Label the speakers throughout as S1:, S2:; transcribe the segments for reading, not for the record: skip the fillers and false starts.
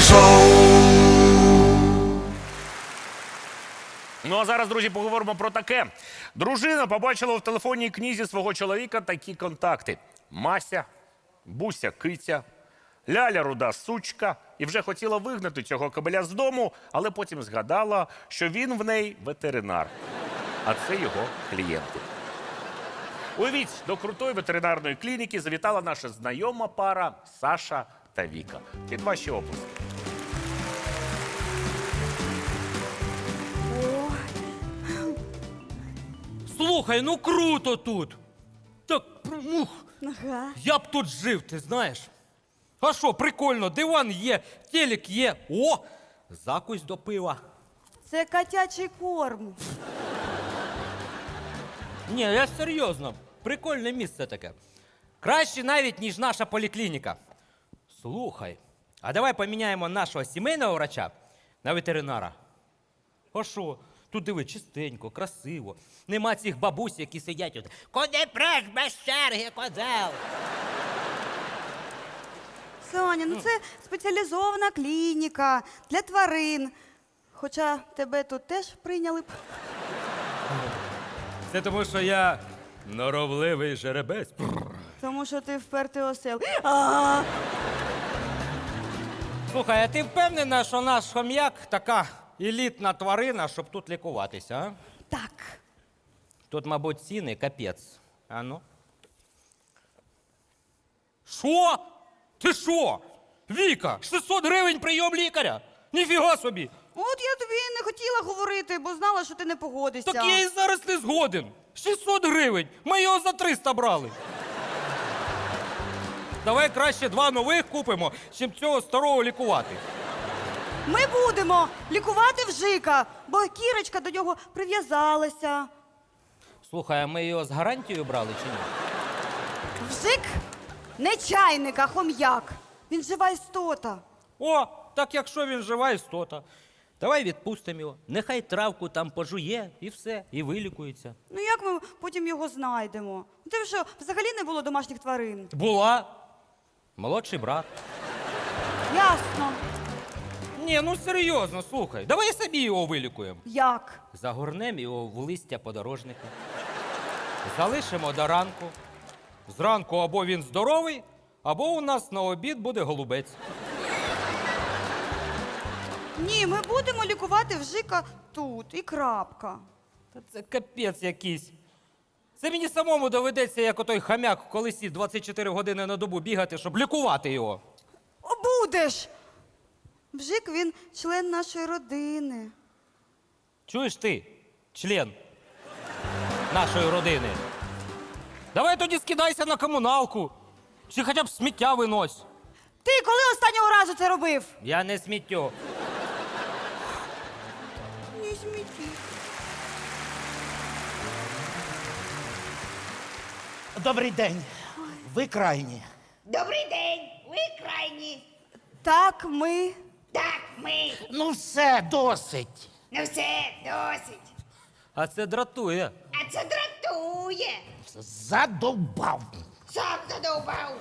S1: Ну а зараз, друзі, поговоримо про таке. Дружина побачила в телефонній книзі свого чоловіка такі контакти: Мася, Буся киця, Ляля руда сучка. І вже хотіла вигнати цього кобеля з дому, але потім згадала, що він в неї ветеринар, а це його клієнти. Уявіть, до крутої ветеринарної клініки завітала наша знайома пара Саша та Віка. Під ваші оплески.
S2: Слухай, ну круто тут. Так,
S3: Ага.
S2: я б тут жив, ти знаєш. А що, прикольно, диван є, телек є. О, закусь до пива.
S3: Це котячий корм.
S2: Ні, я серйозно, прикольне місце таке. Краще навіть, ніж наша поліклініка. Слухай, а давай поміняємо нашого сімейного врача на ветеринара. А що? Тут диви, чистенько, красиво. Нема цих бабусь, які сидять тут. Куди преш без черги, козел?
S3: Соня, ну це спеціалізована клініка для тварин. Хоча тебе тут теж прийняли б.
S2: Це тому, що я норовливий жеребець.
S3: Тому що ти впертий осел. А,
S2: Слухай, а ти впевнена, що наш хом'як така елітна тварина, щоб тут лікуватися, а?
S3: так.
S2: Тут, мабуть, ціни капець. А ну? Що? Ти що? Віка, 600 гривень прийом лікаря? Ніфіга собі!
S3: От я тобі і не хотіла говорити, бо знала, що ти не погодишся.
S2: Так я і зараз не згоден. 600 гривень. Ми його за 300 брали. Давай краще 2 нових купимо, чим цього старого лікувати.
S3: Ми будемо лікувати вжика, бо Кірочка до нього прив'язалася.
S2: Слухай, а ми його з гарантією брали чи ні?
S3: Вжик не чайник, а хом'як. Він жива істота.
S2: О, так якщо він жива істота. Давай відпустимо його. Нехай травку там пожує і все, і вилікується.
S3: Ну як ми потім його знайдемо? У тебе що, взагалі не було домашніх тварин?
S2: Була. Молодший брат.
S3: Ясно.
S2: Ні, ну серйозно, слухай. Давай самі його вилікуємо.
S3: Як?
S2: Загорнемо його в листя подорожника. Залишимо до ранку. Зранку або він здоровий, або у нас на обід буде голубець.
S3: Ні, ми будемо лікувати вжика тут і крапка.
S2: Та це капець якийсь. Це мені самому доведеться, як отой хам'як в колесі 24 години на добу бігати, щоб лікувати його.
S3: О, будеш! Вжик, він член нашої родини.
S2: Чуєш ти, член нашої родини? Давай тоді скидайся на комуналку. Чи хоча б сміття винось.
S3: Ти коли останнього разу це робив?
S2: Я не сміттю.
S3: Не сміті.
S4: Добрий день. Ви крайні.
S5: Добрий день, ви крайні.
S3: Так, ми.
S5: Так, ми.
S4: Ну все, досить.
S5: Ну все, досить.
S2: А це дратує.
S5: А це дратує.
S4: Задовбав.
S5: Сам задовбав.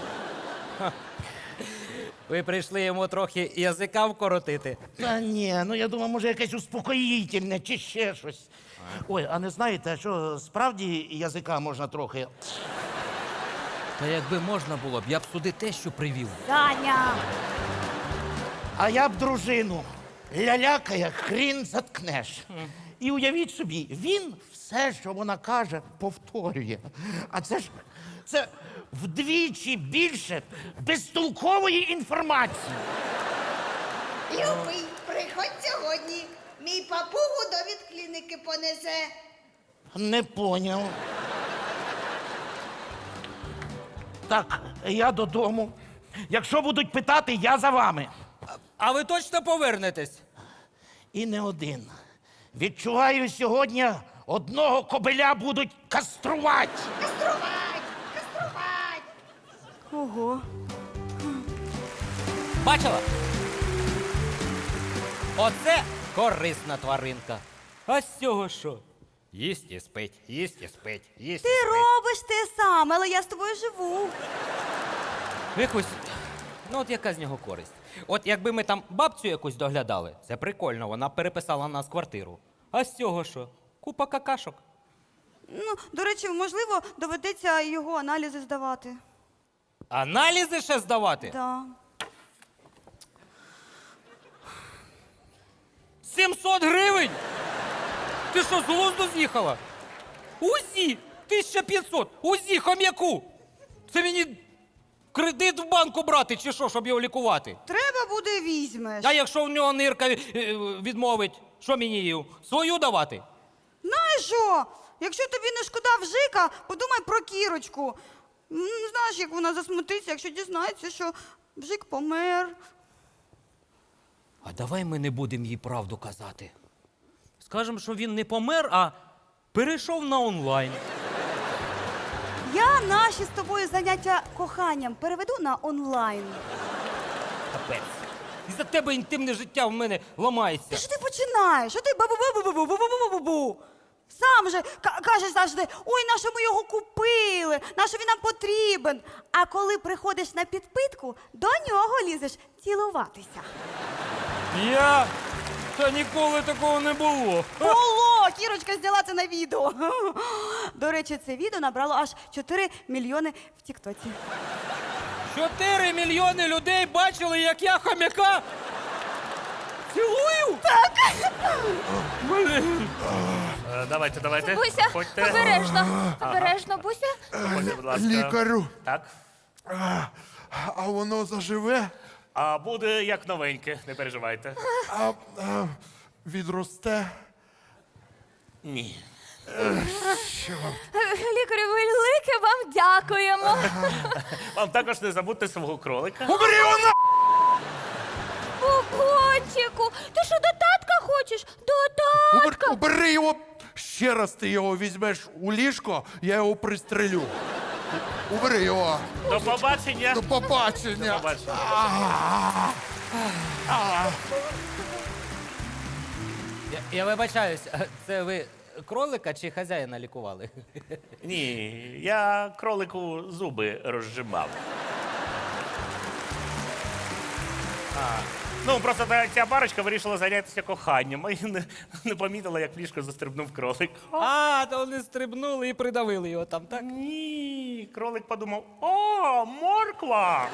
S2: Ви прийшли йому трохи язика вкоротити.
S4: Та ні, ну я думаю, може якесь успокоїтельне чи ще щось. Ой, а не знаєте, що справді язика можна трохи.
S2: Та якби можна було б, я б сюди те, що привів.
S3: Таня.
S4: А я б дружину лялякає, хрін заткнеш. І уявіть собі, він все, що вона каже, повторює. А це вдвічі більше безтолкової інформації.
S5: Любий, приходь сьогодні. Мій папугу довід клініки понесе.
S4: Не поняв. Так, я додому. Якщо будуть питати, я за вами.
S2: А ви точно повернетесь?
S4: І не один. Відчуваю, сьогодні одного кобеля будуть каструвати.
S5: Каструвать, каструвать.
S3: Ого.
S2: Бачила? Оце корисна тваринка. А з цього що? Їсть і спить, їсть і спить, їсть і
S3: Ти
S2: спить.
S3: робиш те саме, але я з тобою живу.
S2: Якось, ну от яка з нього користь? От якби ми там бабцю якусь доглядали, це прикольно, вона переписала нас квартиру. А з цього що? Купа какашок.
S3: Ну, до речі, можливо, доведеться його аналізи здавати.
S2: Аналізи ще здавати?
S3: Да.
S2: 700 гривень? Ти що, з глузду з'їхала? УЗІ 1500, УЗІ хом'яку. Це мені кредит в банку брати чи що, щоб його лікувати?
S3: Треба буде візьмеш.
S2: А якщо в нього нирка відмовить, що мені її? Свою давати?
S3: Знаєш що? Якщо тобі не шкода вжика, подумай про Кірочку. Знаєш, як вона засмутиться, якщо дізнається, що вжик помер.
S2: А давай ми не будемо їй правду казати. Скажемо, що він не помер, а перейшов на онлайн.
S3: Я наші з тобою заняття коханням переведу на онлайн.
S2: Капець. Із-за тебе інтимне життя в мене ламається.
S3: Що ти починаєш? Що ти бу-бу-бу-бу-бу-бу-бу-бу-бу-бу? Сам же кажеш завжди, ой, нащо ми його купили, нащо він нам потрібен. А коли приходиш на підпитку, до нього лізеш цілуватися.
S2: Я? Та ніколи такого не було.
S3: Було! Кірочка зняла це на відео. До речі, це відео набрало аж 4 мільйони в Тіктоці.
S2: 4 мільйони людей бачили, як я хомяка цілую? Так. Блін.
S1: Давайте.
S6: Буся,
S1: Ходьте.
S6: обережно, Буся.
S1: Ходьте, будь ласка.
S7: Лікарю,
S1: Так.
S7: а воно заживе?
S1: А буде як новеньке, не переживайте.
S7: А відросте?
S1: Ні.
S6: Лікарю, велике вам дякуємо.
S1: Вам також не забудьте свого кролика.
S7: Убери його на!
S6: Бубончику, ти що, до татка хочеш? До татка.
S7: Убери його! Ще раз ти його візьмеш у ліжко, я його пристрелю. Убери його!
S1: До побачення.
S7: До побачення!
S1: До побачення.
S2: Я вибачаюсь, це ви кролика чи хазяїна лікували?
S1: Ні, я кролику зуби розжимав. Ну, просто ця парочка вирішила зайнятися коханням і не помітила, як в ліжко застрибнув кролик.
S2: А, то вони стрибнули і придавили його там, так?
S1: Ні, кролик подумав: о, морква!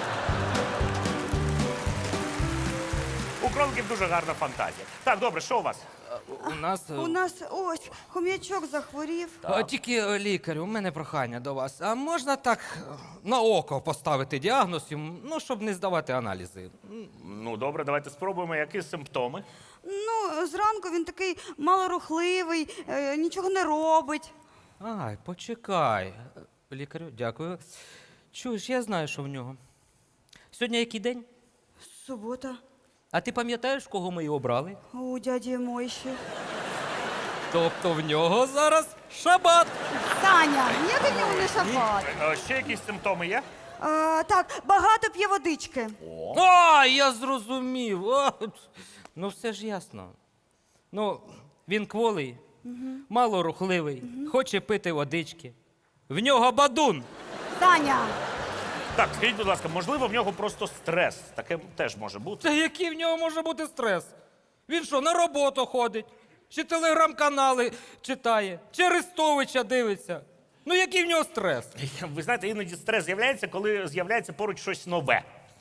S1: У кроликів дуже гарна фантазія. Так, добре, що у вас?
S3: У нас ось хом'ячок захворів.
S2: Тільки лікарю, у мене прохання до вас. А можна так на око поставити діагноз йому, ну, щоб не здавати аналізи?
S1: Ну, добре, давайте спробуємо, які симптоми.
S3: Ну, зранку він такий малорухливий, нічого не робить.
S2: Ай, почекай. Лікарю, дякую. Чуєш, я знаю, що в нього. Сьогодні який день?
S3: Субота.
S2: А ти пам'ятаєш, кого ми його брали?
S3: У дяді Мойші.
S2: Тобто в нього зараз шабат.
S3: Таня, ніякий в нього не шапат.
S1: Ще якісь симптоми є?
S3: Так, багато п'є водички.
S2: А, я зрозумів. О, ну, все ж ясно. Ну, він кволий, малорухливий, хоче пити водички. В нього бадун.
S3: Таня,
S1: Так, скажіть, будь ласка, можливо, в нього просто стрес. Таке теж може бути.
S2: Та який в нього може бути стрес? Він що, на роботу ходить? Чи телеграм-канали читає? Чи Арестовича дивиться? Ну який в нього стрес?
S1: Ви знаєте, іноді стрес з'являється, коли з'являється поруч щось нове.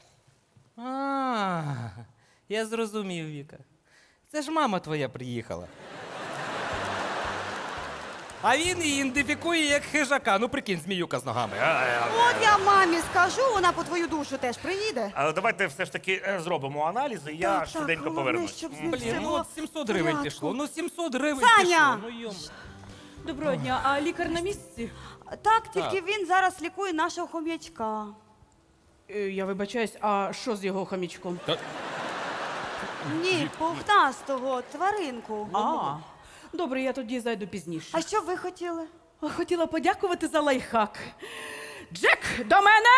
S2: А, я зрозумів, Віка. Це ж мама твоя приїхала. А він її ідентифікує як хижака. Ну прикинь, зміюка з ногами.
S3: от я мамі скажу, вона по твою душу теж приїде.
S1: Але давайте все ж таки зробимо аналізи, і я швиденько
S3: головне,
S1: повернусь.
S3: щоб з ним
S2: Блін,
S3: все
S2: ну
S3: було
S2: от 700
S3: в
S2: гривень
S3: порядку.
S2: пішло. Ну 700 гривень
S3: Саня!
S2: пішло. Ну йом.
S8: Доброго дня, а лікар на місці?
S3: Так, тільки він зараз лікує нашого хом'ячка.
S8: Я вибачаюсь, а що з його хомічком?
S3: Ні, пухнастого тваринку.
S8: А, добре, я тоді зайду пізніше.
S3: А що ви хотіли?
S8: Хотіла подякувати за лайфхак. Джек, до мене!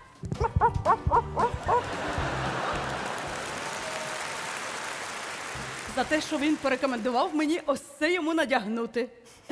S8: За те, що він порекомендував мені ось це йому надягнути.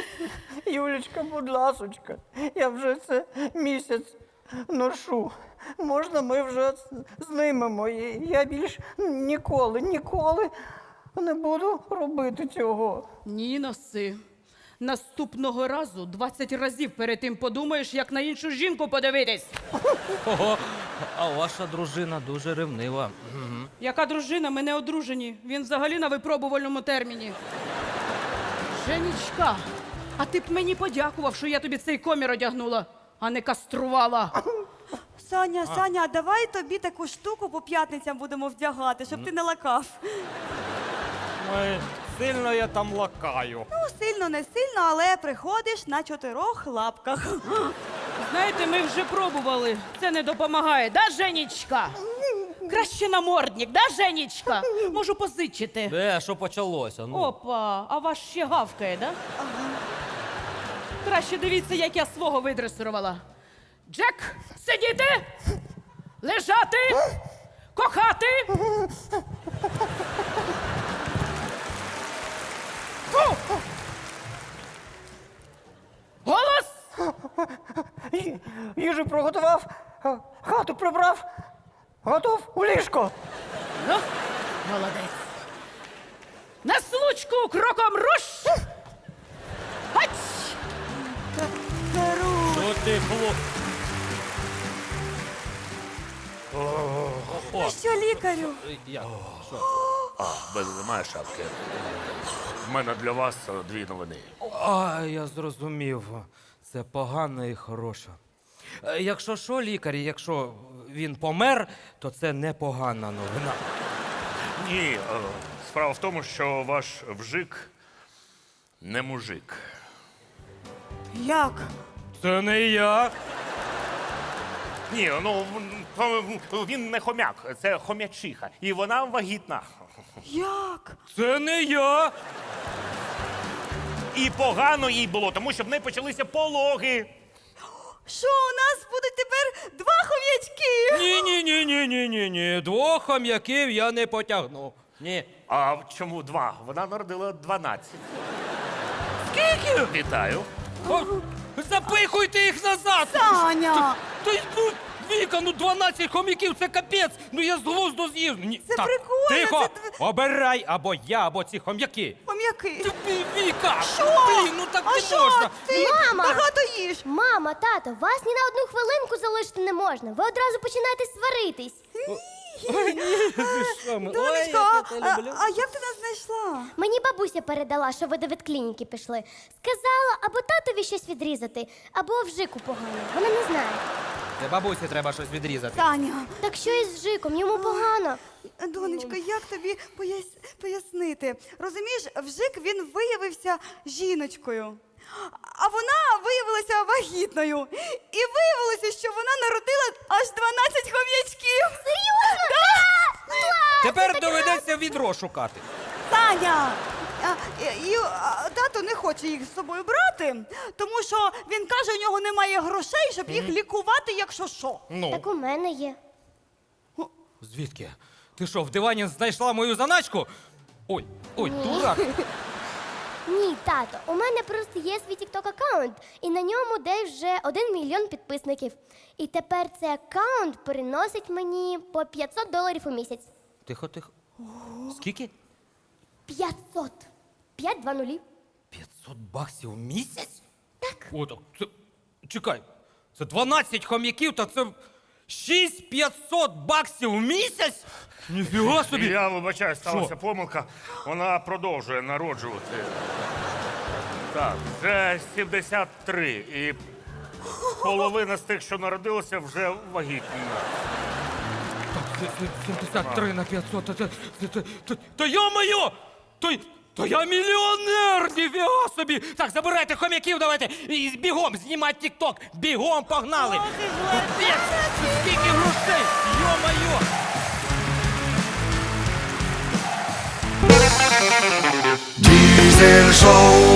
S9: Юлечка, будь ласочка, я вже це місяць ношу. можна ми вже знімемо? Я більш ніколи не буду робити цього.
S8: Ні, носи. Наступного разу 20 разів перед тим подумаєш, як на іншу жінку подивитись.
S2: Ого, а ваша дружина дуже ревнива.
S8: Яка дружина? Ми не одружені. Він взагалі на випробувальному терміні. Женічка, а ти б мені подякував, що я тобі цей комір одягнула, а не каструвала.
S3: Саня, Саня, а давай тобі таку штуку по п'ятницям будемо вдягати, щоб ти не лакав.
S2: Ой, сильно я там лакаю.
S3: Ну, сильно, не сильно, але приходиш на 4 лапках.
S8: Знаєте, ми вже пробували. Це не допомагає, да, Женічка? Краще намордник, да, Женічка? Можу позичити.
S2: Що почалося? Ну.
S8: Опа, а ваш ще гавкає, да? Краще дивіться, як я свого видресирувала. Джек, сидіти, лежати, кохати. Фу! Голос!
S9: Їжу приготував, хату прибрав, готов у ліжко.
S8: Ну, молодець. На случку кроком руш! Гать!
S2: Що ти, хлоп?
S3: Ну що, лікарю?
S2: Як? Що?
S1: В мене немає шапки. В мене для вас 2 новини.
S2: А, я зрозумів. Це погано і хороше. Якщо що, лікар, якщо він помер, то це непогана новина.
S1: Ні, справа в тому, що ваш вжик не мужик.
S3: Як?
S2: Це не я.
S1: Ні, ну він не хомяк, це хомячиха. І вона вагітна.
S3: Як?
S2: Це не я.
S1: І погано їй було, тому що в неї почалися пологи.
S3: Що, у нас будуть тепер 2 хом'ячки?
S2: Ні. 2 хом'яків я не потягну. Ні.
S1: А чому 2? Вона народила 12. Скільки? Вітаю.
S2: О, запихуйте їх назад!
S3: Саня!
S2: Ну, Віка, 12 хом'яків, це капець! Ну я з глузду з'їв.
S3: Це прикольно,
S2: Тихо!
S3: це
S2: Обирай або я, або ці хом'яки.
S3: Хом'яки.
S2: Віка!
S3: Що?
S2: Блін, ну так
S3: А
S2: не
S3: що?
S2: можна.
S3: Ти
S6: Мама!
S3: багато їж.
S6: Мама, тато, вас ні на одну хвилинку залишити не можна. Ви одразу починаєте сваритись.
S3: Донечко, а як ти нас знайшла?
S6: Мені бабуся передала, що ви до ветклініки пішли. Сказала, або татові щось відрізати, або вжику погано. Вона не знає.
S2: Це бабусі треба щось відрізати.
S3: Таня,
S6: Так що із вжиком? Йому погано.
S3: донечко, як тобі пояснити? Розумієш, вжик він виявився жіночкою, а вона виявилася вагітною. І виявилося, що вона народила аж 12 хом'ячків.
S6: Серйозно?
S2: Тепер доведеться відро шукати.
S3: Таня! Тато не хоче їх з собою брати, тому що він каже, у нього немає грошей, щоб їх лікувати, якщо що.
S2: Ну,
S6: Так у мене є.
S2: звідки? Ти що, в дивані знайшла мою заначку? Ой, дурак.
S6: Ні, тато, у мене просто є свій TikTok аккаунт, і на ньому десь вже 1 мільйон підписників. І тепер цей аккаунт приносить мені по $500 у місяць.
S2: Тихо. Скільки?
S6: 500. 520.
S2: $500 в місяць?
S6: Так.
S2: О, так це... Чекай, це 12 хом'яків, та це $6,500 в місяць? Ніфіга собі!
S1: Я вибачаю, сталася помилка. Вона продовжує народжувати. Так, вже 73. І половина з тих, що народилося, вже вагітна.
S2: 73 на 500, та йо-моє! То я мільйонер, ніфіга собі! Так, забирайте хом'яків, давайте, і бігом, знімати тік-ток, бігом, погнали! Капець, скільки грошей, йо-моє!
S10: Diesel Show.